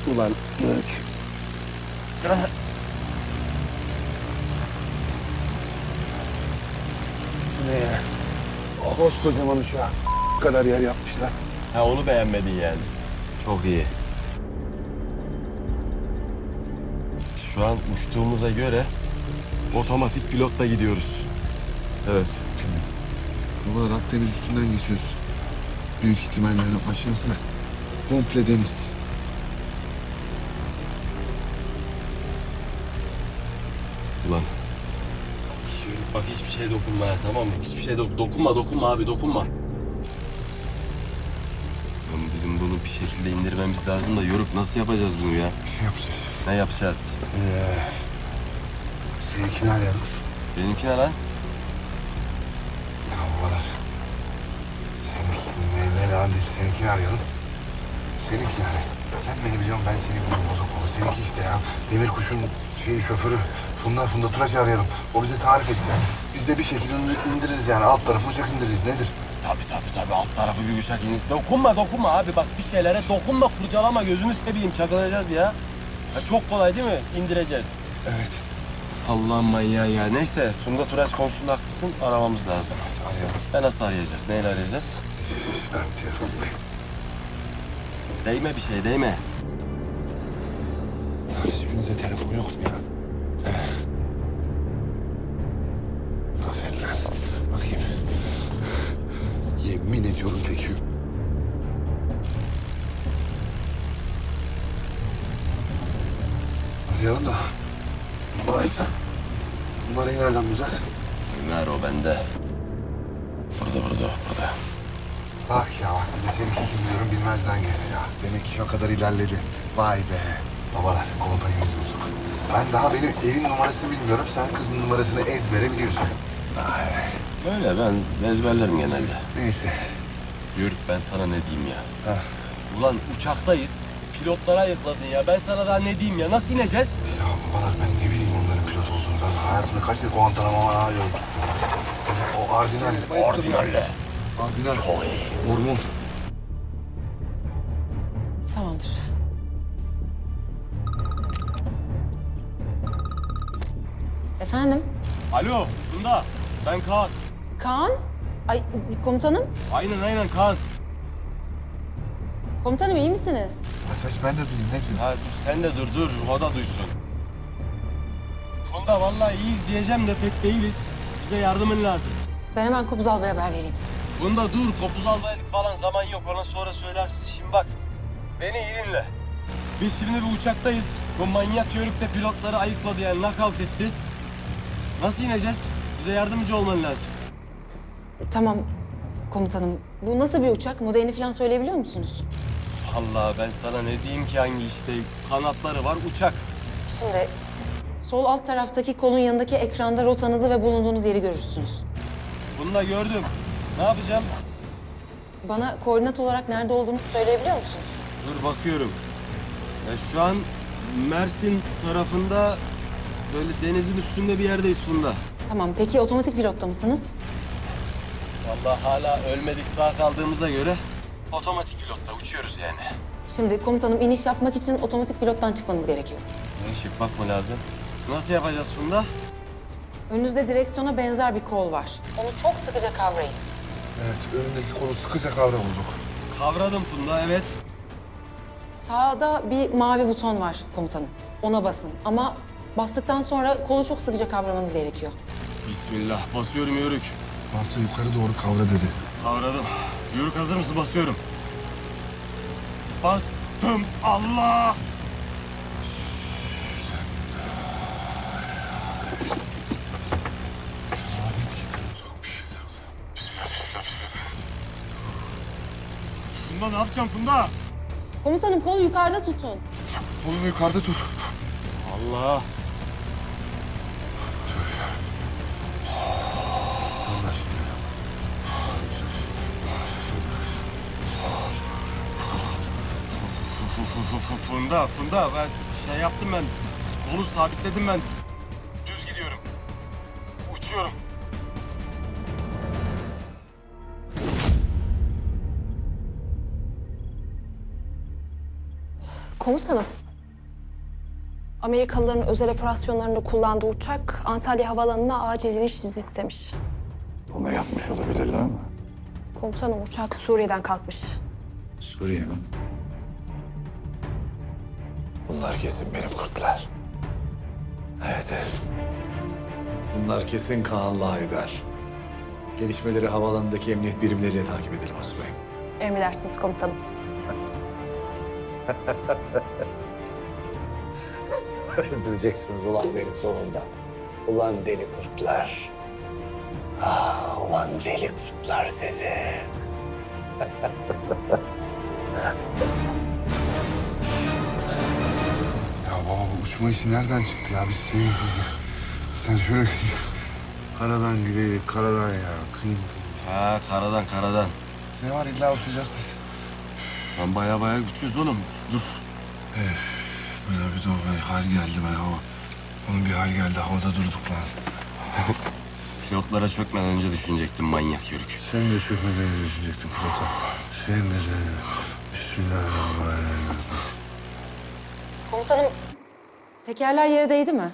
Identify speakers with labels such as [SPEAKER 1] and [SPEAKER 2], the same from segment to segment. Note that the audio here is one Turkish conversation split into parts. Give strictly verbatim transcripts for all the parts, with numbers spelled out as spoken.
[SPEAKER 1] Ulan Yörük. Ne ya? Koskocaman uşağı kadar yer yapmışlar.
[SPEAKER 2] Ha onu beğenmedin yani. Çok iyi. Şu an uçtuğumuza göre otomatik pilotla gidiyoruz.
[SPEAKER 1] Evet.
[SPEAKER 3] Babalar Akdeniz üstünden geçiyoruz. Büyük ihtimalle yani aşağısı komple deniz.
[SPEAKER 2] Ulan. Şöyle bak hiçbir şeye dokunma ya, tamam mı? Hiçbir şeye dok dokunma, dokunma abi, dokunma. Oğlum bizim bunu bir şekilde indirmemiz lazım da Yoruk nasıl yapacağız bunu ya?
[SPEAKER 3] Bir şey yapacağız.
[SPEAKER 2] Ne yapacağız?
[SPEAKER 3] Ee, seninkini arayalım.
[SPEAKER 2] Benimki ne lan?
[SPEAKER 3] Ya babalar. Seninkini ne, ne lan değil, seninkini arayalım. Seninki yani. Sen beni biliyorsun, ben seni biliyorum bozuk baba. Seninki işte ya. Demir kuşun şeyi, şoförü. Funda Funda Turaç'ı arayalım. O bize tarif etsin. Biz de bir şekilde indiririz yani. Alt tarafı uçak indiririz. Nedir?
[SPEAKER 2] Tabii tabii tabii alt tarafı bir uçak iniz. Dokunma dokunma abi bak bir şeylere dokunma, kurcalama, gözünü seveyim, çakılacağız ya. Ya çok kolay değil mi? İndireceğiz.
[SPEAKER 3] Evet.
[SPEAKER 2] Allah'ım manyağı ya. Neyse Funda Turaç konusunda haklısın, aramamız lazım.
[SPEAKER 3] Evet, arayalım.
[SPEAKER 2] Ben nasıl arayacağız? Neyle arayacağız?
[SPEAKER 3] Ben telefondayım.
[SPEAKER 2] Değme bir şey, değme.
[SPEAKER 3] Hiçbirinizde telefon yok mu ya? Aferin lan. Bakayım. Yemin ediyorum çekiyor. Arayalım da. Numarayı. Numarayı nereden bulacağız?
[SPEAKER 2] Ömer o bende. Burada burada burada.
[SPEAKER 3] Bak ya bak, bir de seninki kim diyorum bilmezden geliyor ya. Demek ki o kadar ilerledi. Vay be. Babalar, kolpayımız bulduk. Ben daha benim evin numarasını bilmiyorum. Sen kızın numarasını ezbere biliyorsun. Vay.
[SPEAKER 2] Öyle ben ezberlerim genelde.
[SPEAKER 3] Neyse.
[SPEAKER 2] Yörük ben sana ne diyeyim ya?
[SPEAKER 3] Heh.
[SPEAKER 2] Ulan uçaktayız. Pilotlara ayıkladın ya. Ben sana daha ne diyeyim ya? Nasıl ineceğiz?
[SPEAKER 3] Ya babalar, ben ne bileyim onların pilot olduğunu. Ben hayatımda kaç kere Guantanamo'ya yol gittim. O Ardinal.
[SPEAKER 2] Ordinalle.
[SPEAKER 3] Ardinal. Hormon.
[SPEAKER 4] Tamamdır. Efendim?
[SPEAKER 2] Alo Funda. Ben Kaan.
[SPEAKER 4] Kaan? Ay komutanım.
[SPEAKER 2] Aynen aynen Kaan.
[SPEAKER 4] Komutanım iyi misiniz?
[SPEAKER 3] Aç aç, ben de duyayım. Ne diyorsun?
[SPEAKER 2] Ha dur sen de dur dur. O da duysun. Funda vallahi iyiyiz diyeceğim de pek değiliz. Bize yardımın lazım.
[SPEAKER 4] Ben hemen Kopuz Alba'ya haber vereyim.
[SPEAKER 2] Funda dur. Kopuz almaylık falan zaman yok. Ona sonra söylersin. Şimdi bak. Beni iyi dinle. Biz şimdi bir uçaktayız. Bu manyak yörük de pilotları ayıkladı yani knockout etti. Nasıl ineceğiz? Bize yardımcı olman lazım.
[SPEAKER 4] Tamam komutanım. Bu nasıl bir uçak? Modelini falan söyleyebiliyor musunuz?
[SPEAKER 2] Vallahi ben sana ne diyeyim ki hangi işte kanatları var uçak.
[SPEAKER 4] Şimdi sol alt taraftaki kolun yanındaki ekranda rotanızı ve bulunduğunuz yeri görürsünüz.
[SPEAKER 2] Bunu da gördüm. Ne yapacağım?
[SPEAKER 4] Bana koordinat olarak nerede olduğunu söyleyebiliyor musunuz?
[SPEAKER 2] Dur bakıyorum. Ya şu an Mersin tarafında böyle denizin üstünde bir yerdeyiz Funda.
[SPEAKER 4] Tamam. Peki otomatik pilotta mısınız?
[SPEAKER 2] Vallahi hala ölmedik sağ kaldığımıza göre otomatik pilotta uçuyoruz yani.
[SPEAKER 4] Şimdi komutanım iniş yapmak için otomatik pilottan çıkmanız gerekiyor.
[SPEAKER 2] Işık bakma lazım. Nasıl yapacağız Funda?
[SPEAKER 4] Önünüzde direksiyona benzer bir kol var. Onu çok sıkıca kavrayın.
[SPEAKER 3] Evet, önündeki kolu sıkıca kavra bozuk.
[SPEAKER 2] Kavradım Funda evet.
[SPEAKER 4] Sağda bir mavi buton var komutanım. Ona basın ama bastıktan sonra kolu çok sıkıca kavramanız gerekiyor.
[SPEAKER 2] Bismillah basıyorum yörük.
[SPEAKER 3] Basra yukarı doğru kavra dedi.
[SPEAKER 2] Kavradım. Yörük hazır mısın? Basıyorum. Bastım. Allah!
[SPEAKER 3] Adet getir. Bismillah, bismillah, bismillah.
[SPEAKER 2] Funda ne yapacağım Funda?
[SPEAKER 4] Komutanım kolu yukarıda tutun.
[SPEAKER 3] Kolunu yukarıda tut.
[SPEAKER 2] Allah!
[SPEAKER 3] Onlar.
[SPEAKER 2] Fu- fu- fu- fu- Funda, Funda ben şey yaptım ben. Kolu sabitledim ben. Düz gidiyorum. Uçuyorum.
[SPEAKER 5] Komutanım. Amerikalıların özel operasyonlarında kullandığı uçak Antalya Havaalanı'na acil iniş izni istemiş.
[SPEAKER 6] Bunu yapmış olabilirler mi?
[SPEAKER 5] Komutanım uçak Suriye'den kalkmış.
[SPEAKER 6] Suriye mi? Bunlar kesin benim kurtlar. Evet, evet. Bunlar kesin Kaan'la Haydar. Gelişmeleri havaalanındaki emniyet birimleriyle takip edelim Asubayım.
[SPEAKER 5] Emredersiniz komutanım.
[SPEAKER 6] Öldüreceksiniz ulan beni sonunda. Ulan deli kurtlar. Ah, ulan deli kurtlar sizi.
[SPEAKER 3] Ya baba bu uçma işi nereden çıktı ya? Biz senin yani şöyle karadan gideydik, karadan ya. Kıyım.
[SPEAKER 2] Ha karadan karadan.
[SPEAKER 3] Ne var illa uçacağız.
[SPEAKER 2] Lan baya baya güçlüyüz oğlum. Dur.
[SPEAKER 3] Böyle bir de o bir hal geldi ben hava. Onun bir hal geldi havada durduk lan.
[SPEAKER 2] Pilotlara çökmeden önce düşünecektim manyak yörük.
[SPEAKER 3] Sen de çökmeden düşünecektin pilota. Sen de sen de. Bismillahirrahmanirrahim.
[SPEAKER 4] Komutanım, tekerler yere değdi mi?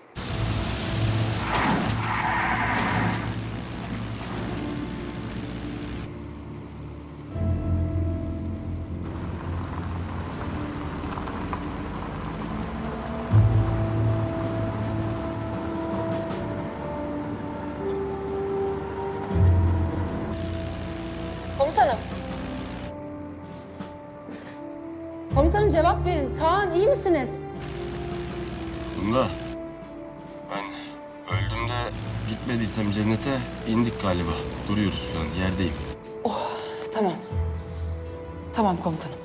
[SPEAKER 4] Komutanım. Komutanım cevap verin. Kaan iyi misiniz?
[SPEAKER 2] Bunda ben öldüğümde gitmediysem cennete indik galiba. Duruyoruz şu an yerdeyim.
[SPEAKER 4] Tamam. Tamam komutanım.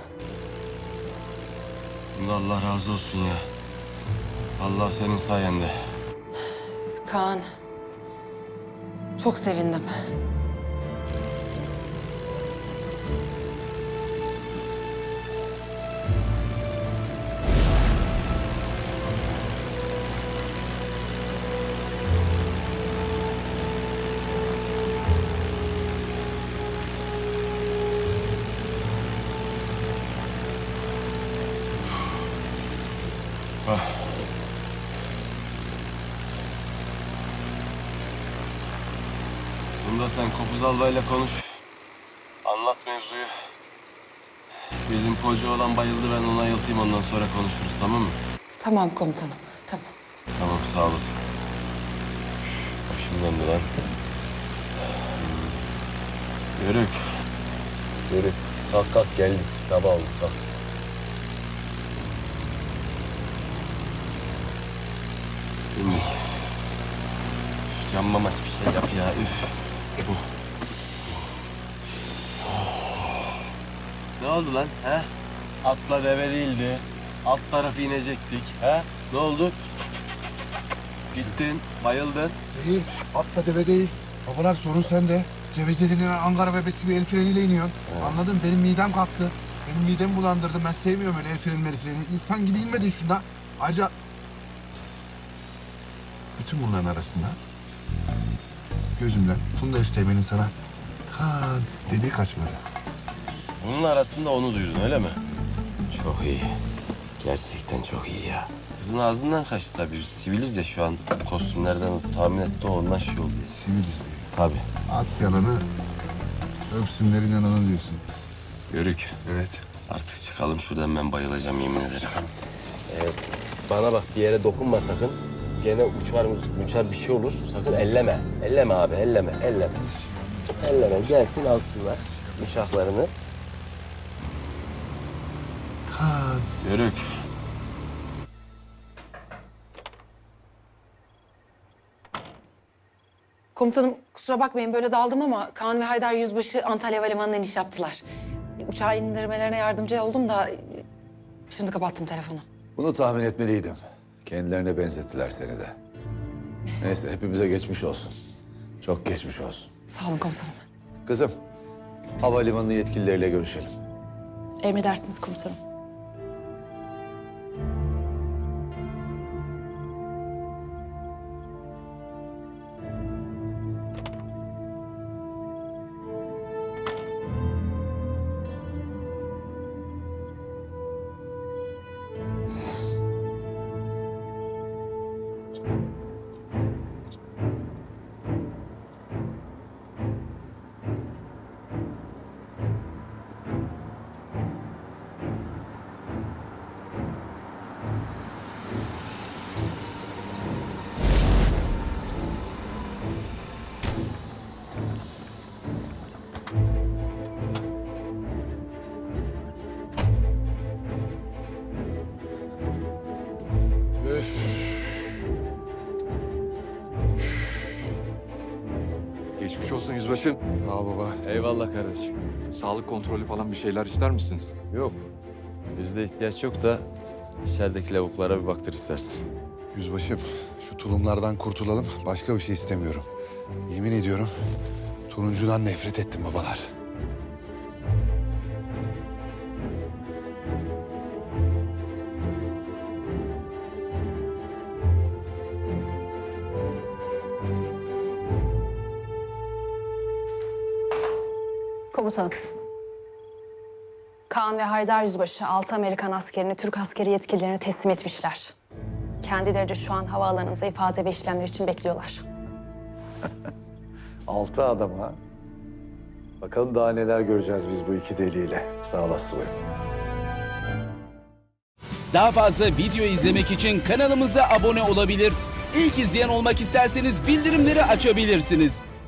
[SPEAKER 2] Bunda Allah razı olsun ya. Allah senin sayende.
[SPEAKER 4] Kaan. Çok sevindim.
[SPEAKER 2] Ah. Bunda sen Kopuz Albay'la konuş. Anlat mevzuyu. Bizim koca olan bayıldı, ben onu ayıltayım, ondan sonra konuşuruz, tamam mı?
[SPEAKER 4] Tamam komutanım. Tamam.
[SPEAKER 2] Tamam, sağ olasın. Başım döndü lan. Yörük. Yörük. Kalk kalk geldik. Sabah oldu kalk. İndik. Canmamaç bir şey yap ya. Üf. Bu. Ne oldu lan? He? Atla deve değildi. Alt tarafı inecektik. He? Ne oldu? Gittin, bayıldın.
[SPEAKER 3] Değil, atla deve değil. Babalar sorun sende. Cevize Ankara bebesi bir el freniyle iniyorsun. Anladın? Benim midem kalktı. Benim midemi bulandırdı. Ben sevmiyorum öyle el freni el freni. İnsan gibi inmedin şunda. Ayrıca... Bütün bunların arasında... Gözümden Funda Üsteğmen'in sana... Kaan dediği kaçmadı.
[SPEAKER 2] Bunun arasında onu duydun öyle mi? Çok iyi. Gerçekten çok iyi ya. Kızın ağzından kaçtı tabii. Biz siviliz ya şu an. Kostümlerden tahmin etti o ondan şey oldu.
[SPEAKER 3] Siviliz diye.
[SPEAKER 2] Tabii.
[SPEAKER 3] At yalanı, öpsünler inananı diyorsun.
[SPEAKER 2] Yörük.
[SPEAKER 3] Evet.
[SPEAKER 2] Artık çıkalım şuradan, ben bayılacağım yemin ederim. Ee, bana bak, bir yere dokunma sakın. Gene uçar uçar bir şey olur. Sakın elleme. Elleme abi, elleme, elleme. Elleme, gelsin alsınlar uçaklarını.
[SPEAKER 3] Kaan.
[SPEAKER 2] Yörük.
[SPEAKER 4] Komutanım kusura bakmayın böyle daldım ama Kaan ve Haydar Yüzbaşı Antalya Havalimanı'na iniş yaptılar. Uçağı indirmelerine yardımcı oldum da şimdi kapattım telefonu.
[SPEAKER 6] Bunu tahmin etmeliydim. Kendilerine benzettiler seni de. Neyse hepimize geçmiş olsun. Çok geçmiş olsun.
[SPEAKER 4] Sağ olun komutanım.
[SPEAKER 6] Kızım, havalimanı yetkilileriyle görüşelim.
[SPEAKER 5] Emredersiniz komutanım.
[SPEAKER 7] olsun yüzbaşım.
[SPEAKER 3] Sağ ol baba.
[SPEAKER 2] Eyvallah kardeşim.
[SPEAKER 7] Sağlık kontrolü falan bir şeyler ister misiniz?
[SPEAKER 2] Yok. Bizde ihtiyaç yok da içerideki lavuklara bir baktır istersin.
[SPEAKER 3] Yüzbaşım, şu tulumlardan kurtulalım. Başka bir şey istemiyorum. Yemin ediyorum, turuncudan nefret ettim babalar.
[SPEAKER 5] Komutanım. Kaan ve Haydar Yüzbaşı altı Amerikan askerini Türk askeri yetkililerine teslim etmişler. Kendileri de şu an havaalanında ifade ve işlemler için bekliyorlar.
[SPEAKER 6] Altı adam ha. Bakalım daha neler göreceğiz biz bu iki deliyle. Sağ olasın.
[SPEAKER 8] Daha fazla video izlemek için kanalımıza abone olabilir. İlk izleyen olmak isterseniz bildirimleri açabilirsiniz.